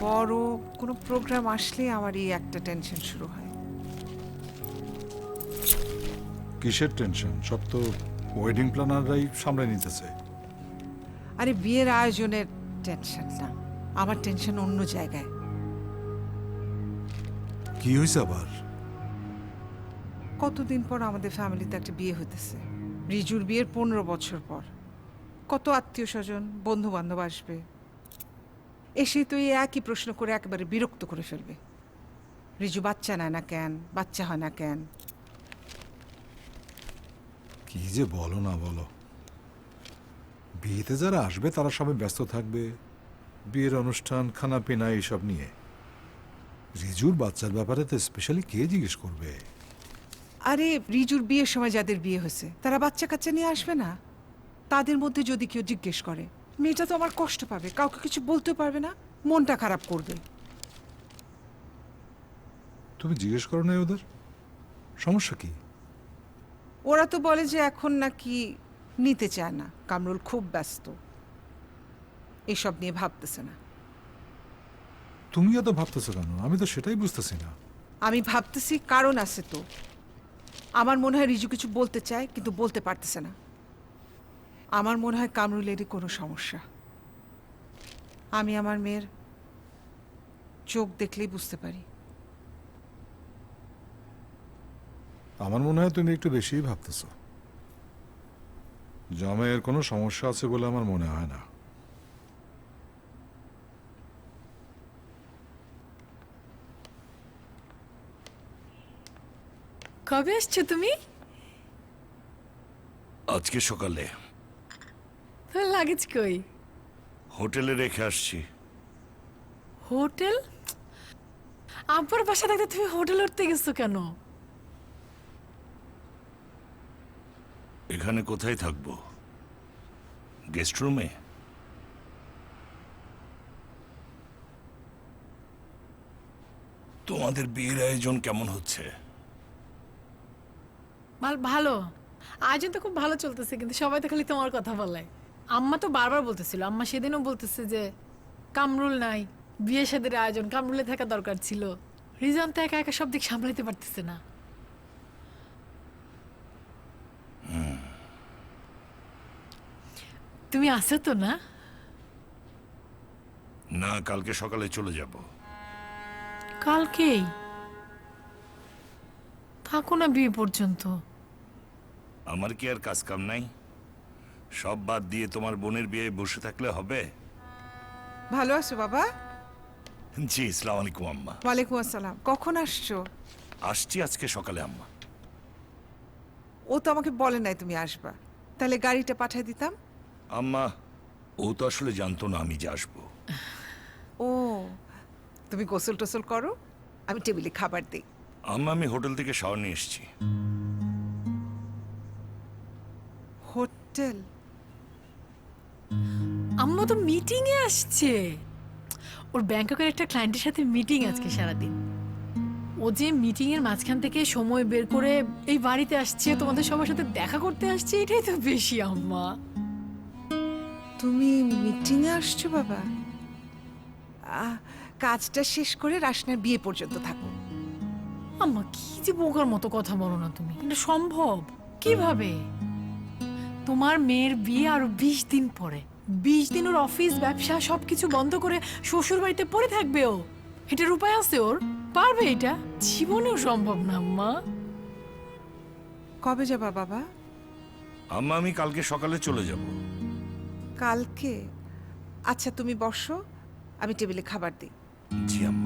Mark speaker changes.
Speaker 1: বড় কোনো প্রোগ্রাম আসলে আমার এই একটা টেনশন শুরু হয়।
Speaker 2: কিসের টেনশন? সব তো ওয়েডিং প্ল্যানাররাই সামলে নিতেছে।
Speaker 1: আরে বিয়ের আয়োজনের টেনশন না, আমার টেনশন অন্য জায়গায়।
Speaker 2: কি হয়েছে আবার?
Speaker 1: কতদিন পর আমাদের ফ্যামিলিতে একটা বিয়ে হইতেছে, রিজুর বিয়ের 15 বছর পর। কত আত্মীয় স্বজন বন্ধু বান্ধব আসবে, এসে তো এই একই প্রশ্ন করে একেবারে বিরক্ত করে ফেলবে। রিজু বাচ্চা নেয় না কেন, বাচ্চা হয় না কেন।
Speaker 2: কি যে বলো না বলো, বিয়েতে যারা আসবে তারা সবাই ব্যস্ত থাকবে বিয়ের অনুষ্ঠান খানা পিনা এইসব নিয়ে। রিজুর বাচ্চার ব্যাপারে তো স্পেশালি কে জিজ্ঞেস করবে?
Speaker 1: আরে রিজুর বিয়ের সময় যাদের বিয়ে হয়েছে তারা বাচ্চা কাচ্চা নিয়ে আসবে না? তাদের মধ্যে যদি কেউ জিজ্ঞেস করে, মেয়েটা তো আমার কষ্ট পাবে, কাউকে কিছু বলতে পারবে না, মনটা খারাপ করবে।
Speaker 2: তুমি জিজ্ঞেস করো না ওদের? সমস্যা কি?
Speaker 1: ওরা তো বলে যে এখন নাকি নিতে চায় না, কামরুল খুব ব্যস্ত, এসব নিয়ে ভাবতেছে না।
Speaker 2: তুমি এত ভাবতেছো কেন? আমি তো সেটাই বুঝতেছি না।
Speaker 1: আমি ভাবতেছি কারণ আছে তো। আমার মনে হয় রিজু কিছু বলতে চায় কিন্তু বলতে পারতেছে না। আমার মনে হয় কামরুলেরই কোনো সমস্যা। আমি আমার মেয়ের চোখ দেখলেই বুঝতে পারি।
Speaker 2: আমার মনে হয় তুমি একটু বেশিই ভাবতেছো। জামাইয়ের কোনো সমস্যা আছে বলে আমার মনে হয় না।
Speaker 3: কবে আসছো তুমি?
Speaker 4: আজকে সকালে
Speaker 3: তোর লাগেজ কই?
Speaker 4: হোটেলে রেখে আসছি।
Speaker 3: হোটেল? আব্বার বাসা থাকতে তুমি হোটেল উঠতে গেছো কেন?
Speaker 4: এখানে কোথায় থাকবো? গেস্ট রুমে? তোমাদের বিয়ের আয়োজন কেমন হচ্ছে?
Speaker 3: ভালো, আয়োজন তো খুব ভালো চলতেছে, কিন্তু সবাই তো খালি তোমার কথা বলে। আম্মা তো বারবার বলতেছিল, আম্মা সেদিনও বলতেছে যে কামরুল নাই, বিয়ে শাদীর আয়োজন কামরুলে থাকা দরকার ছিল। রিজন তো একা একা সব দিক সামলাইতে পারতেছে না। তুমি আসো তো না?
Speaker 4: না, কালকে সকালে চলে যাব।
Speaker 3: কালকেই থাকো না বিয়ে পর্যন্ত।
Speaker 4: আমার কি আর কাজ কাম নাই? সব বাদ দিয়ে তোমার বোনের বিয়ে বসে থাকলে হবে?
Speaker 1: ভালো আছো বাবা?
Speaker 4: জি, আসসালামু আলাইকুম আম্মা।
Speaker 1: ওয়ালাইকুম আসসালাম। কখন আসছো?
Speaker 4: আসছি আজকে সকালে আম্মা।
Speaker 1: ও তো আমাকে বলে নাই তুমি আসবা, তাহলে গাড়িটা পাঠিয়ে দিতাম।
Speaker 4: আম্মা, ও তো আসলে জানতো না আমি যে আসবো।
Speaker 1: ও, তুমি গোসল টোসল করো, আমি টেবিলে খাবার দিই।
Speaker 4: আম্মা, আমি হোটেল থেকে শাওয়ার নিয়ে এসেছি।
Speaker 1: হোটেল?
Speaker 3: আম্মা তো মিটিং এ আসছে। ওর ব্যাংককের একটা ক্লায়েন্টের সাথে মিটিং আজকে সারাদিন। ও যে মিটিং এর মাঝখান থেকে সময় বের করে এই বাড়িতে আসছে, তোমাদের সবার সাথে দেখা করতে আসছে, এটাই তো বেশি আম্মা।
Speaker 1: তুমি মিটিংয়ে আসছো বাবা? কাজটা শেষ করে রাশনার বিয়ে পর্যন্ত থাকো।
Speaker 3: আম্মা কি যে বোকার মতো কথা বলো না তুমি, এটা সম্ভব কিভাবে? তোমার মেয়ের বিয়ে আরো 20 দিন পরে। 20 দিন ওর অফিস ব্যবসা সবকিছু বন্ধ করে শ্বশুর বাড়িতে পড়ে থাকবে ও? এটার উপায় আছে ওর? পারবে এটা? জীবনেও সম্ভব না আম্মা।
Speaker 1: কবে যাবা বাবা?
Speaker 4: আম্মা, আমি কালকে সকালে চলে যাব।
Speaker 1: কালকে? আচ্ছা তুমি বসো, আমি টেবিলে খাবার দিই।
Speaker 4: জি আম্মা।